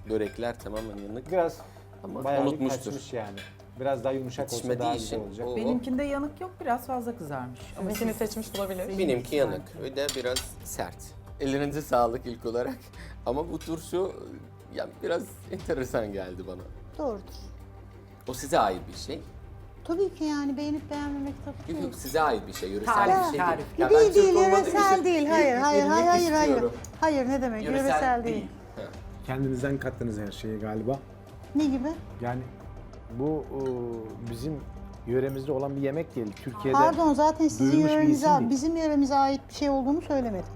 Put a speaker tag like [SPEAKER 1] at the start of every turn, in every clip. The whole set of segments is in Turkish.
[SPEAKER 1] Börekler tamamen yanık.
[SPEAKER 2] Biraz
[SPEAKER 1] Ama
[SPEAKER 2] bayağı bir
[SPEAKER 1] unutmuştur.
[SPEAKER 2] kaçmış yani. Biraz daha yumuşak olsa
[SPEAKER 1] Yetişmediği
[SPEAKER 2] daha güzel
[SPEAKER 1] için
[SPEAKER 2] olacak.
[SPEAKER 1] o-
[SPEAKER 3] Benimkinde yanık yok, biraz fazla kızarmış. Ama
[SPEAKER 4] Seni seçmiş olabilir.
[SPEAKER 1] Benimki yanık ve de biraz sert. Ellerinize sağlık ilk olarak. Ama bu turşu ya biraz enteresan geldi bana.
[SPEAKER 5] Doğrudur.
[SPEAKER 1] O size ait bir şey.
[SPEAKER 5] Tabii ki yani beğenip beğenmemek tabii
[SPEAKER 1] Yok
[SPEAKER 5] ki.
[SPEAKER 1] yok size ait bir şey, yöresel
[SPEAKER 3] Tarif,
[SPEAKER 1] bir şey
[SPEAKER 3] tarif.
[SPEAKER 1] değil. Ya ben
[SPEAKER 5] Değil
[SPEAKER 1] Türk
[SPEAKER 5] değil,
[SPEAKER 1] olmadığım
[SPEAKER 5] yöresel
[SPEAKER 1] için
[SPEAKER 5] değil. Hayır, hayır,
[SPEAKER 1] bilmek
[SPEAKER 5] hayır, hayır.
[SPEAKER 1] istiyorum.
[SPEAKER 5] Hayır, ne demek? Yöresel değil.
[SPEAKER 1] Ha.
[SPEAKER 2] Kendinizden kattınız her şeyi galiba.
[SPEAKER 5] Ne gibi?
[SPEAKER 2] Yani bu bizim yöremizde olan bir yemek değil. Türkiye'de
[SPEAKER 5] Pardon, zaten sizin
[SPEAKER 2] duyulmuş bir
[SPEAKER 5] yörenize,
[SPEAKER 2] isim değil.
[SPEAKER 5] bizim yöremize ait bir şey olduğunu söylemedim.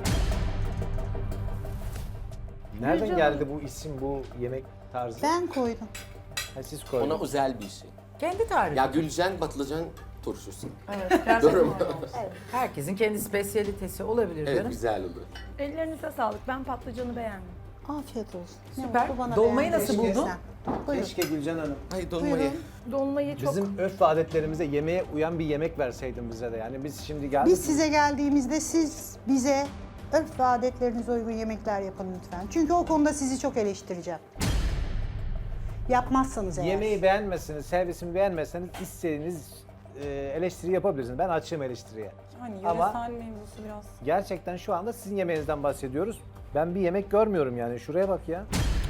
[SPEAKER 2] Nereden geldi bu isim, bu yemek tarzı?
[SPEAKER 5] Ben koydum.
[SPEAKER 2] Ha, siz koydunuz.
[SPEAKER 1] Ona özel bir şey.
[SPEAKER 3] Kendi tarifi.
[SPEAKER 1] Ya Gülcan patlıcan turşusu.
[SPEAKER 3] Evet, gerçekten
[SPEAKER 1] Durum.
[SPEAKER 3] herkesin kendi spesiyalitesi olabilir
[SPEAKER 1] Evet
[SPEAKER 3] canım.
[SPEAKER 1] güzel olur.
[SPEAKER 6] Ellerinize sağlık. Ben patlıcanı beğendim.
[SPEAKER 5] Afiyet olsun. Ne
[SPEAKER 3] Süper.
[SPEAKER 5] mutlu bana
[SPEAKER 3] Dolmayı
[SPEAKER 5] beğendiğin
[SPEAKER 3] nasıl
[SPEAKER 5] için.
[SPEAKER 3] buldun?
[SPEAKER 5] Buyurun.
[SPEAKER 2] Keşke Gülcan Hanım
[SPEAKER 1] Ay dolmayı.
[SPEAKER 5] Buyurun.
[SPEAKER 6] Dolmayı çok...
[SPEAKER 2] bizim örf ve adetlerimize yemeğe uyan bir yemek verseydin bize de. Yani biz şimdi geldik.
[SPEAKER 5] Biz size geldiğimizde siz bize örf ve adetlerinize uygun yemekler yapın lütfen. Çünkü o konuda sizi çok eleştireceğim. Yapmazsanız eğer.
[SPEAKER 2] Yemeği beğenmezseniz, servisimi beğenmezseniz istediğiniz eleştiri yapabilirsiniz. Ben açığım eleştiriye.
[SPEAKER 4] Hani
[SPEAKER 2] Ama-
[SPEAKER 4] yöresel mevzusu biraz.
[SPEAKER 2] Gerçekten şu anda sizin yemeğinizden bahsediyoruz. Ben bir yemek görmüyorum yani. Şuraya bak ya.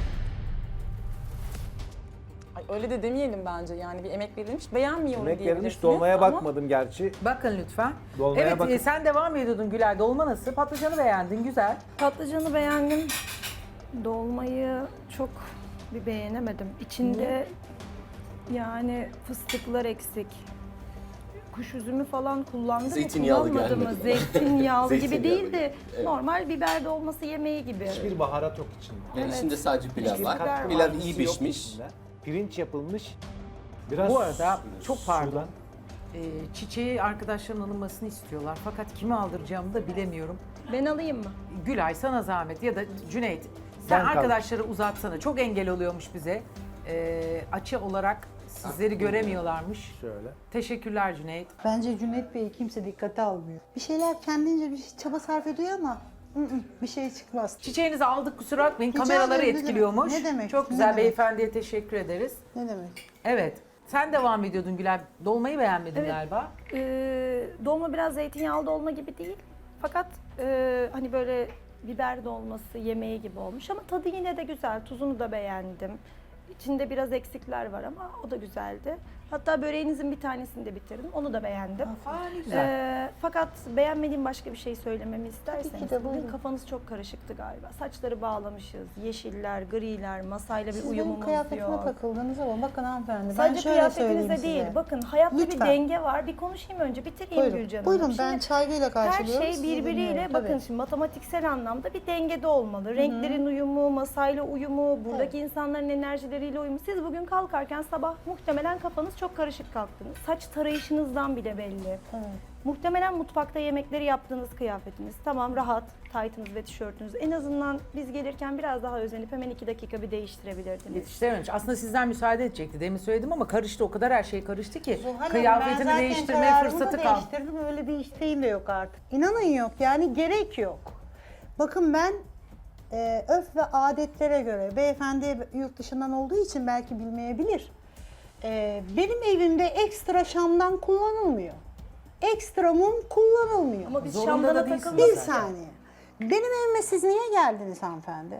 [SPEAKER 4] Ay, öyle de demeyelim bence yani bir emek verilmiş. Beğenmiyorum
[SPEAKER 2] Yemek
[SPEAKER 4] diyebilirsiniz.
[SPEAKER 2] verilmiş. Dolmaya
[SPEAKER 4] ama
[SPEAKER 2] bakmadım gerçi.
[SPEAKER 3] Bakın lütfen.
[SPEAKER 2] Dolmaya
[SPEAKER 3] Evet,
[SPEAKER 2] bakın.
[SPEAKER 3] sen devam ediyordun Gülay. Dolma nasıl? Patlıcanı beğendin, güzel.
[SPEAKER 6] Patlıcanı beğendim. Dolmayı çok bir beğenemedim. İçinde yani fıstıklar eksik. Kuş üzümü falan kullandı mı
[SPEAKER 1] Zeytinyağlı
[SPEAKER 6] kullanmadı mı?
[SPEAKER 1] gelmedi.
[SPEAKER 6] Zeytinyağlı gibi
[SPEAKER 1] Zeytinyağlı
[SPEAKER 6] değil de
[SPEAKER 1] evet.
[SPEAKER 6] normal biber dolması yemeği gibi.
[SPEAKER 2] Hiçbir baharat yok içinde.
[SPEAKER 1] Yani içinde sadece pilav
[SPEAKER 2] Hiçbir
[SPEAKER 1] var.
[SPEAKER 2] katkı
[SPEAKER 1] Pilav
[SPEAKER 2] maddesi
[SPEAKER 1] iyi
[SPEAKER 2] yok
[SPEAKER 1] pişmiş.
[SPEAKER 2] içinde. Pirinç yapılmış. Biraz
[SPEAKER 3] Bu arada çok pardon.
[SPEAKER 2] sudan.
[SPEAKER 3] Çiçeği arkadaşların alınmasını istiyorlar. Fakat kime aldıracağımı da bilemiyorum.
[SPEAKER 6] Ben alayım mı?
[SPEAKER 3] Gülay sana zahmet ya da Cüneyt. Sen
[SPEAKER 2] Ben kaldım.
[SPEAKER 3] arkadaşları uzatsana. Çok engel oluyormuş bize. Açı olarak sizleri göremiyorlarmış.
[SPEAKER 2] Şöyle.
[SPEAKER 3] Teşekkürler Cüneyt.
[SPEAKER 5] Bence Cüneyt Bey'i kimse dikkate almıyor. Bir şeyler kendince bir çaba sarf ediyor ama bir şey çıkmaz.
[SPEAKER 3] Çiçeğinizi aldık kusura bakmayın.
[SPEAKER 5] Rica
[SPEAKER 3] Kameraları
[SPEAKER 5] ederim, ne
[SPEAKER 3] etkiliyormuş.
[SPEAKER 5] demek, ne demek,
[SPEAKER 3] Çok
[SPEAKER 5] ne
[SPEAKER 3] güzel
[SPEAKER 5] demek.
[SPEAKER 3] beyefendiye teşekkür ederiz.
[SPEAKER 5] Ne demek?
[SPEAKER 3] Evet. Sen devam ediyordun Gülay. Dolmayı beğenmedin
[SPEAKER 6] Evet.
[SPEAKER 3] galiba.
[SPEAKER 6] Dolma biraz zeytinyağlı dolma gibi değil. Fakat hani böyle biber dolması yemeği gibi olmuş ama tadı yine de güzel. Tuzunu da beğendim. İçinde biraz eksikler var ama o da güzeldi. Hatta böreğinizin bir tanesini de bitirdim. Onu da beğendim.
[SPEAKER 3] Aa ne güzel.
[SPEAKER 6] Fakat beğenmediğim başka bir şey söylememi isterseniz.
[SPEAKER 5] de, buyurun.
[SPEAKER 6] Bugün kafanız çok karışıktı galiba. Saçları bağlamışız. Yeşiller, griler, masayla bir
[SPEAKER 5] Siz benim
[SPEAKER 6] uyumumuz
[SPEAKER 5] kıyafetime
[SPEAKER 6] yok.
[SPEAKER 5] takıldınız ama bakın hanımefendi.
[SPEAKER 6] Sadece
[SPEAKER 5] ben şöyle söyleyeyim
[SPEAKER 6] kıyafetinizde değil.
[SPEAKER 5] size.
[SPEAKER 6] Bakın hayatta bir
[SPEAKER 5] Lütfen.
[SPEAKER 6] denge var. Bir konuşayım önce. Bitireyim
[SPEAKER 5] Buyurun,
[SPEAKER 6] Gülcan Hanım.
[SPEAKER 5] buyurun
[SPEAKER 6] Şimdi
[SPEAKER 5] ben çaygıyla
[SPEAKER 6] her
[SPEAKER 5] karşılıyorum.
[SPEAKER 6] şey
[SPEAKER 5] sizi
[SPEAKER 6] birbiriyle
[SPEAKER 5] dinliyorum,
[SPEAKER 6] bakın
[SPEAKER 5] tabii.
[SPEAKER 6] şimdi matematiksel anlamda bir dengede olmalı. Renklerin uyumu, masayla uyumu, buradaki insanların enerjileriyle uyumu. Siz bugün kalkarken sabah muhtemelen kafanız çok karışık kalktınız. Saç tarayışınızdan bile belli.
[SPEAKER 5] Evet.
[SPEAKER 6] Muhtemelen mutfakta yemekleri yaptığınız kıyafetiniz. Tamam rahat, taytınız ve tişörtünüz. En azından biz gelirken biraz daha özenip hemen 2 dakika bir değiştirebilirdiniz.
[SPEAKER 3] Yetiştirememiş. Aslında sizden müsaade edecekti. Demin söyledim ama karıştı. O kadar her şey karıştı ki.
[SPEAKER 5] Zuhal Hanım, ben
[SPEAKER 3] Kıyafetini
[SPEAKER 5] zaten
[SPEAKER 3] değiştirmeye
[SPEAKER 5] kararımı
[SPEAKER 3] fırsatı
[SPEAKER 5] da
[SPEAKER 3] kaldı.
[SPEAKER 5] değiştirdim. Öyle bir isteğim de yok artık. İnanın yok. Yani gerek yok. Bakın ben örf ve adetlere göre, beyefendi yurt dışından olduğu için belki bilmeyebilir. Benim evimde ekstra şamdan kullanılmıyor. Ekstra mum kullanılmıyor.
[SPEAKER 6] Ama biz
[SPEAKER 3] Zorunda
[SPEAKER 6] Şam'da
[SPEAKER 3] da
[SPEAKER 6] da
[SPEAKER 3] değilsiniz
[SPEAKER 6] takılmadık.
[SPEAKER 5] Bir saniye. Benim evime siz niye geldiniz hanımefendi?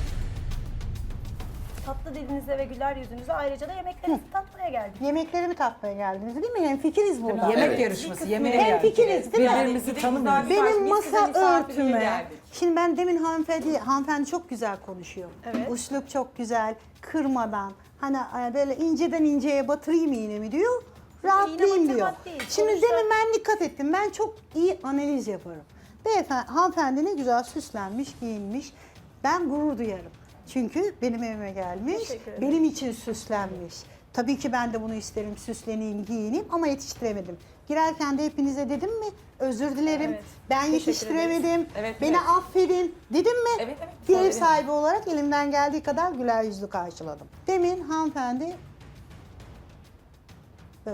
[SPEAKER 6] Tatlı dilinize ve güler yüzünüze ayrıca da yemeklerinizi tatmaya geldik.
[SPEAKER 5] Yemeklerimi tatmaya geldiniz değil mi? Hemfikiriz burada.
[SPEAKER 3] Yemek
[SPEAKER 1] Evet.
[SPEAKER 3] yarışması, yemeğe
[SPEAKER 5] Hemfikiriz
[SPEAKER 3] geldik.
[SPEAKER 5] değil mi?
[SPEAKER 3] Birbirimizi tanımıyoruz.
[SPEAKER 5] Benim
[SPEAKER 4] Biz size
[SPEAKER 5] masa
[SPEAKER 4] misafirliğe
[SPEAKER 5] örtüme.
[SPEAKER 4] geldik.
[SPEAKER 5] Şimdi ben demin hanımefendi çok güzel konuşuyor.
[SPEAKER 6] Evet.
[SPEAKER 5] Üslup çok güzel, kırmadan. Hani böyle inceden inceye batırayım iğnemi diyor. Rahatlayayım
[SPEAKER 6] İğne
[SPEAKER 5] diyor.
[SPEAKER 6] batırmak değil,
[SPEAKER 5] Şimdi
[SPEAKER 6] sonuçta-
[SPEAKER 5] demin ben dikkat ettim. Ben çok iyi analiz yaparım. Beyefendi, hanımefendi ne güzel süslenmiş, giyinmiş. Ben gurur duyarım. Çünkü benim evime gelmiş,
[SPEAKER 6] Teşekkür ederim.
[SPEAKER 5] benim için süslenmiş. Tabii ki ben de bunu isterim, süsleneyim, giyineyim ama yetiştiremedim. Girerken de hepinize dedim mi? Özür dilerim,
[SPEAKER 6] Evet,
[SPEAKER 5] ben
[SPEAKER 6] teşekkür
[SPEAKER 5] yetiştiremedim,
[SPEAKER 4] Evet,
[SPEAKER 5] beni
[SPEAKER 4] evet.
[SPEAKER 5] affedin dedim mi?
[SPEAKER 4] Evet, evet.
[SPEAKER 5] Bir ev
[SPEAKER 4] Söyledim.
[SPEAKER 5] sahibi olarak elimden geldiği kadar güler yüzlü karşıladım. Demin hanımefendi böyle.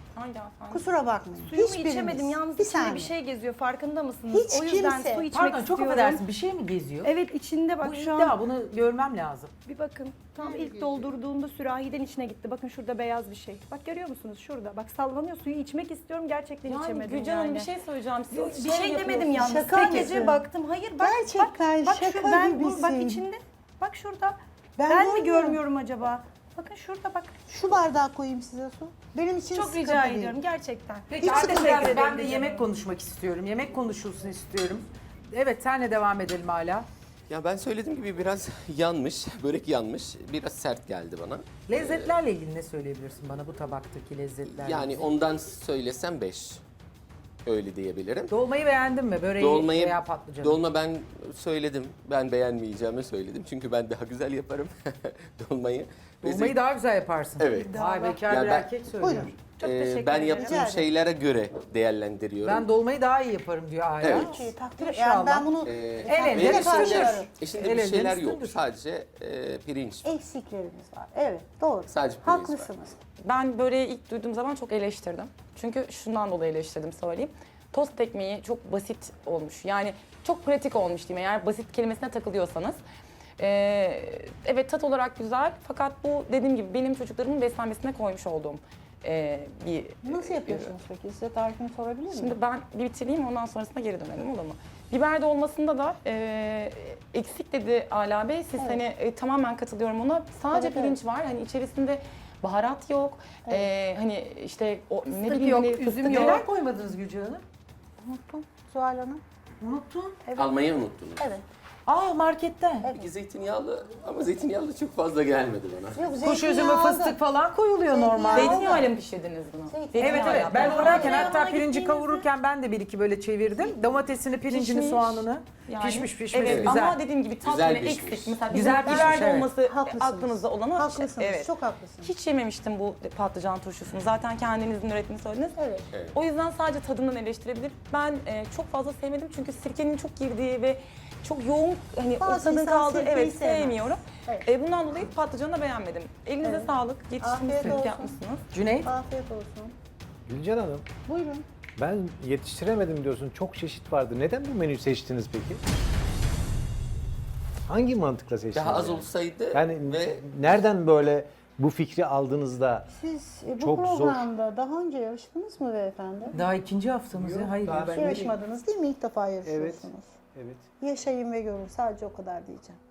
[SPEAKER 4] Hangi hanımefendi?
[SPEAKER 5] Kusura bakmayın.
[SPEAKER 6] Suyumu
[SPEAKER 5] Hiçbiriniz.
[SPEAKER 6] içemedim. Yalnız
[SPEAKER 5] bir
[SPEAKER 6] içinde
[SPEAKER 5] saniye.
[SPEAKER 6] bir şey geziyor. Farkında mısınız?
[SPEAKER 5] Hiç
[SPEAKER 6] o yüzden
[SPEAKER 5] kimse-
[SPEAKER 6] su içmek
[SPEAKER 3] Pardon çok
[SPEAKER 6] istiyorum.
[SPEAKER 3] affedersin bir şey mi geziyor?
[SPEAKER 6] Evet içinde bak
[SPEAKER 3] Bu
[SPEAKER 6] şu
[SPEAKER 3] iddia,
[SPEAKER 6] an.
[SPEAKER 3] bunu görmem lazım.
[SPEAKER 6] Bir bakın. Tam ilk doldurduğunda sürahiden içine gitti. Bakın şurada beyaz bir şey. Bak görüyor musunuz? Şurada. Bak sallanıyor. Suyu içmek istiyorum. Gerçekten
[SPEAKER 4] Yani
[SPEAKER 6] içemedim
[SPEAKER 4] Gülcan Hanım
[SPEAKER 6] yani.
[SPEAKER 4] bir şey söyleyeceğim. Siz
[SPEAKER 6] Bir şey demedim yalnız.
[SPEAKER 5] Şaka
[SPEAKER 6] Sadece
[SPEAKER 5] yapıyorsun.
[SPEAKER 6] baktım. Hayır bak.
[SPEAKER 5] Gerçekten
[SPEAKER 6] bak,
[SPEAKER 5] şaka
[SPEAKER 6] bak
[SPEAKER 5] gibisin.
[SPEAKER 6] içinde. Bak şurada.
[SPEAKER 5] Ben
[SPEAKER 6] Ben mi
[SPEAKER 5] görmüyorum.
[SPEAKER 6] görmüyorum acaba? Bakın şurada bak.
[SPEAKER 5] Şu bardağı koyayım size su. Benim için
[SPEAKER 6] Çok
[SPEAKER 5] sıkıntı
[SPEAKER 6] rica
[SPEAKER 5] değil.
[SPEAKER 6] ediyorum gerçekten.
[SPEAKER 3] Peki
[SPEAKER 5] Hiç
[SPEAKER 3] artık
[SPEAKER 5] sıkıntı
[SPEAKER 3] biraz
[SPEAKER 6] değil.
[SPEAKER 3] ben de yemek konuşmak istiyorum. Yemek konuşulsun istiyorum. Evet senle devam edelim hala.
[SPEAKER 1] Ya ben söylediğim gibi biraz yanmış, börek yanmış, biraz sert geldi bana.
[SPEAKER 3] Lezzetlerle ilgili ne söyleyebilirsin bana bu tabaktaki lezzetlerle?
[SPEAKER 1] Yani
[SPEAKER 3] ilgili?
[SPEAKER 1] ondan söylesem 5. Öyle diyebilirim.
[SPEAKER 3] Dolmayı beğendin mi? Böreği
[SPEAKER 1] Dolmayı,
[SPEAKER 3] veya patlıcanı?
[SPEAKER 1] dolma ben söyledim. Ben beğenmeyeceğimi söyledim. Çünkü ben daha güzel yaparım dolmayı. Ve
[SPEAKER 3] Dolmayı daha güzel yaparsın.
[SPEAKER 1] Evet.
[SPEAKER 3] Vay bekar
[SPEAKER 1] Ya
[SPEAKER 3] bir
[SPEAKER 1] ben-
[SPEAKER 3] erkek söylüyor.
[SPEAKER 5] Buyurun.
[SPEAKER 6] Çok teşekkür
[SPEAKER 1] ben
[SPEAKER 6] ederim.
[SPEAKER 5] Rica
[SPEAKER 1] yaptığım
[SPEAKER 5] ederim.
[SPEAKER 1] şeylere göre değerlendiriyorum.
[SPEAKER 3] Ben dolmayı daha iyi yaparım diyor Aya.
[SPEAKER 1] Evet.
[SPEAKER 5] Peki, takdir
[SPEAKER 3] İnşallah.
[SPEAKER 5] yani ben bunu
[SPEAKER 3] El
[SPEAKER 1] Ve
[SPEAKER 3] ele
[SPEAKER 1] içinde,
[SPEAKER 5] karşılarım.
[SPEAKER 1] içinde
[SPEAKER 3] El
[SPEAKER 1] bir
[SPEAKER 3] ele
[SPEAKER 1] şeyler yok.
[SPEAKER 3] üstündür.
[SPEAKER 1] Sadece pirinç var.
[SPEAKER 5] eksiklerimiz var. Evet, doğru.
[SPEAKER 1] Sadece pirinç var.
[SPEAKER 5] Haklısınız.
[SPEAKER 4] Ben böreği ilk duyduğum zaman çok eleştirdim. Çünkü şundan dolayı eleştirdim söyleyeyim. Tost ekmeği çok basit olmuş. Yani çok pratik olmuş diyeyim eğer basit kelimesine takılıyorsanız. Evet tat olarak güzel fakat bu dediğim gibi benim çocuklarımın beslenmesine koymuş olduğum bir
[SPEAKER 5] Nasıl yapıyorsunuz peki? Size tarifini sorabilir miyim?
[SPEAKER 4] Şimdi ben bir bitireyim ondan sonrasında geri dönelim olur mu? Biber dolmasında da eksik dedi Ala Bey. Siz
[SPEAKER 5] Evet.
[SPEAKER 4] hani tamamen katılıyorum ona. Sadece
[SPEAKER 5] Evet,
[SPEAKER 4] pirinç var. Hani içerisinde baharat yok. Hani işte o ne
[SPEAKER 6] Fıstık
[SPEAKER 4] bileyim
[SPEAKER 6] yok,
[SPEAKER 4] hani
[SPEAKER 6] üzüm
[SPEAKER 4] fıstık
[SPEAKER 6] yok.
[SPEAKER 3] Neler koymadınız Gülcan Hanım?
[SPEAKER 5] Unuttum Zuhal Hanım.
[SPEAKER 3] Unuttun.
[SPEAKER 1] Almayı unuttunuz.
[SPEAKER 5] Evet.
[SPEAKER 3] Aa markette.
[SPEAKER 1] Peki zeytinyağlı ama zeytinyağlı çok fazla gelmedi bana.
[SPEAKER 5] Yok,
[SPEAKER 3] Kuş üzümü,
[SPEAKER 5] zeytinyağı
[SPEAKER 3] fıstık
[SPEAKER 5] aldım.
[SPEAKER 3] falan koyuluyor
[SPEAKER 5] Zeytinyağı.
[SPEAKER 3] normalde.
[SPEAKER 4] Zeytinyağıyla mı pişirdiniz bunu?
[SPEAKER 5] Zeytinyağı.
[SPEAKER 3] Evet
[SPEAKER 4] Zeytinyağıyla
[SPEAKER 3] evet ben
[SPEAKER 4] yaptım.
[SPEAKER 3] uğrarken
[SPEAKER 6] Yanına
[SPEAKER 3] hatta pirinci
[SPEAKER 6] gittiğinizde-
[SPEAKER 3] kavururken ben de bir iki böyle çevirdim. Domatesini, pirincini,
[SPEAKER 4] Pişmiş.
[SPEAKER 3] soğanını.
[SPEAKER 4] Yani,
[SPEAKER 3] Pişmiş pişmiş
[SPEAKER 4] evet,
[SPEAKER 3] güzel.
[SPEAKER 4] Ama dediğim gibi tat
[SPEAKER 1] Güzel
[SPEAKER 4] yine
[SPEAKER 1] pişmiş.
[SPEAKER 4] eksik. Mesela
[SPEAKER 3] Güzel
[SPEAKER 4] güzel
[SPEAKER 3] pişmiş,
[SPEAKER 4] biber
[SPEAKER 3] evet.
[SPEAKER 4] dolması
[SPEAKER 5] Haklısınız.
[SPEAKER 4] aklınızda olan o.
[SPEAKER 5] Haklısınız,
[SPEAKER 4] Evet.
[SPEAKER 5] çok haklısınız.
[SPEAKER 4] Hiç yememiştim bu patlıcan turşusunu. Zaten kendinizin ürettiğini söylediniz.
[SPEAKER 5] Evet.
[SPEAKER 4] O yüzden sadece tadından eleştirebilir. Ben çok fazla sevmedim çünkü sirkenin çok girdiği ve çok yoğun hani o
[SPEAKER 5] Bazı
[SPEAKER 4] tadın
[SPEAKER 5] insan
[SPEAKER 4] kaldığı
[SPEAKER 5] sirkeyi
[SPEAKER 4] evet
[SPEAKER 5] sevmez.
[SPEAKER 4] sevmiyorum.
[SPEAKER 5] Evet.
[SPEAKER 4] Bundan dolayı patlıcanı da beğenmedim. Elinize
[SPEAKER 5] Evet.
[SPEAKER 4] sağlık.
[SPEAKER 5] Afiyet
[SPEAKER 4] Yetiştirmişsiniz,
[SPEAKER 5] olsun.
[SPEAKER 4] yapmışsınız.
[SPEAKER 3] Cüneyt.
[SPEAKER 5] Afiyet olsun.
[SPEAKER 2] Gülcan Hanım,
[SPEAKER 5] Buyurun.
[SPEAKER 2] ben yetiştiremedim diyorsun. Çok çeşit vardı. Neden bu menüyü seçtiniz peki? Hangi mantıkla seçtiniz?
[SPEAKER 1] Daha az
[SPEAKER 2] yani?
[SPEAKER 1] olsaydı
[SPEAKER 2] Yani
[SPEAKER 1] ve
[SPEAKER 2] nereden böyle bu fikri aldığınızda
[SPEAKER 5] Siz bu
[SPEAKER 2] Çok zor.
[SPEAKER 5] programda daha önce yarıştınız mı beyefendi?
[SPEAKER 3] Daha ikinci haftamız ya. Hayır.
[SPEAKER 2] daha ben-
[SPEAKER 5] Hiç yarışmadınız değil mi? İlk defa yarışıyorsunuz.
[SPEAKER 2] evet.
[SPEAKER 5] Yaşayın ve görün. Sadece o kadar diyeceğim.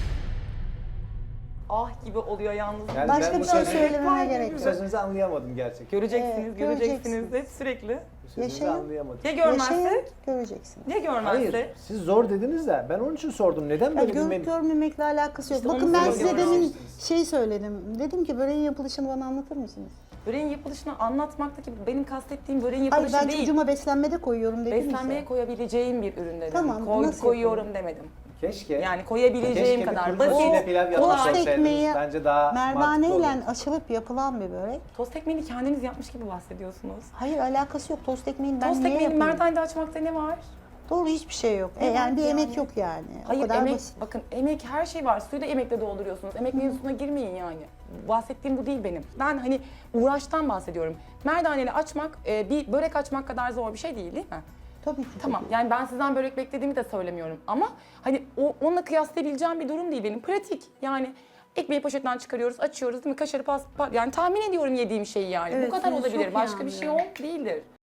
[SPEAKER 4] Ah gibi oluyor yalnız.
[SPEAKER 2] Yani
[SPEAKER 5] Başka
[SPEAKER 2] ben
[SPEAKER 5] bir
[SPEAKER 2] bu
[SPEAKER 5] şey
[SPEAKER 2] sözü-
[SPEAKER 5] söylememe gerek yok.
[SPEAKER 2] Sözünüzü anlayamadım gerçekten.
[SPEAKER 4] Göreceksiniz,
[SPEAKER 5] Evet,
[SPEAKER 4] göreceksiniz
[SPEAKER 5] göreceksiniz.
[SPEAKER 4] hep sürekli.
[SPEAKER 2] Sözünüzü
[SPEAKER 5] Yaşayın.
[SPEAKER 2] anlayamadım.
[SPEAKER 4] Ya
[SPEAKER 5] Yaşayın,
[SPEAKER 4] görmezsek?
[SPEAKER 5] göreceksiniz.
[SPEAKER 4] Ya görmezsek?
[SPEAKER 2] Hayır, siz zor dediniz de ben onun için sordum. Neden
[SPEAKER 5] Ya
[SPEAKER 2] böyle bir
[SPEAKER 5] görüp
[SPEAKER 2] menü?
[SPEAKER 5] görmemekle alakası yok.
[SPEAKER 4] İşte
[SPEAKER 5] Bakın
[SPEAKER 4] onu
[SPEAKER 5] ben size
[SPEAKER 4] söylüyorum.
[SPEAKER 5] demin şey söyledim. Dedim ki böreğin yapılışını bana anlatır mısınız?
[SPEAKER 4] Böreğin yapılışını anlatmaktaki benim kastettiğim böreğin
[SPEAKER 5] Hayır
[SPEAKER 4] yapılışı
[SPEAKER 5] ben
[SPEAKER 4] değil.
[SPEAKER 5] çocuğuma beslenmede koyuyorum dedim
[SPEAKER 4] Beslenmeye
[SPEAKER 5] ya.
[SPEAKER 4] koyabileceğim bir ürün dedim.
[SPEAKER 5] Tamam, nasıl
[SPEAKER 4] Koyuyorum demedim.
[SPEAKER 2] Keşke.
[SPEAKER 4] Yani koyabileceğim
[SPEAKER 2] Keşke
[SPEAKER 4] kadar
[SPEAKER 2] bir kuru fasulye
[SPEAKER 4] basit,
[SPEAKER 2] pilav
[SPEAKER 5] tost
[SPEAKER 2] yapmış
[SPEAKER 4] kolay.
[SPEAKER 2] olsaydınız.
[SPEAKER 5] ekmeği
[SPEAKER 2] Bence daha mantıklı olur.
[SPEAKER 5] Merdaneyle açılıp yapılan bir börek.
[SPEAKER 4] Tost ekmeğini kendiniz yapmış gibi bahsediyorsunuz.
[SPEAKER 5] Hayır alakası yok. Tost ekmeğini ben
[SPEAKER 4] Tost
[SPEAKER 5] niye
[SPEAKER 4] ekmeğini
[SPEAKER 5] yapayım?
[SPEAKER 4] merdanede açmakta ne var?
[SPEAKER 5] Doğru hiçbir şey yok.
[SPEAKER 4] Ne
[SPEAKER 5] Yani
[SPEAKER 4] var
[SPEAKER 5] bir
[SPEAKER 4] yani?
[SPEAKER 5] emek yok yani.
[SPEAKER 4] Hayır
[SPEAKER 5] o kadar
[SPEAKER 4] emek,
[SPEAKER 5] basit.
[SPEAKER 4] bakın emek her şey var. Suyu da emekle dolduruyorsunuz. Emek mevzusuna girmeyin yani. Bahsettiğim bu değil benim. Ben hani uğraştan bahsediyorum. Merdaneli açmak bir börek açmak kadar zor bir şey değil mi?
[SPEAKER 5] Tabii ki.
[SPEAKER 4] Tamam yani ben sizden börek beklediğimi de söylemiyorum ama hani onunla kıyaslayabileceğim bir durum değil benim. Pratik yani ekmeği poşetten çıkarıyoruz, açıyoruz değil mi? Kaşarı yani tahmin ediyorum yediğim şeyi yani.
[SPEAKER 5] Evet,
[SPEAKER 4] Bu kadar
[SPEAKER 5] siz
[SPEAKER 4] olabilir.
[SPEAKER 5] çok iyi
[SPEAKER 4] Başka bir şey
[SPEAKER 5] anlıyorum.
[SPEAKER 4] değildir.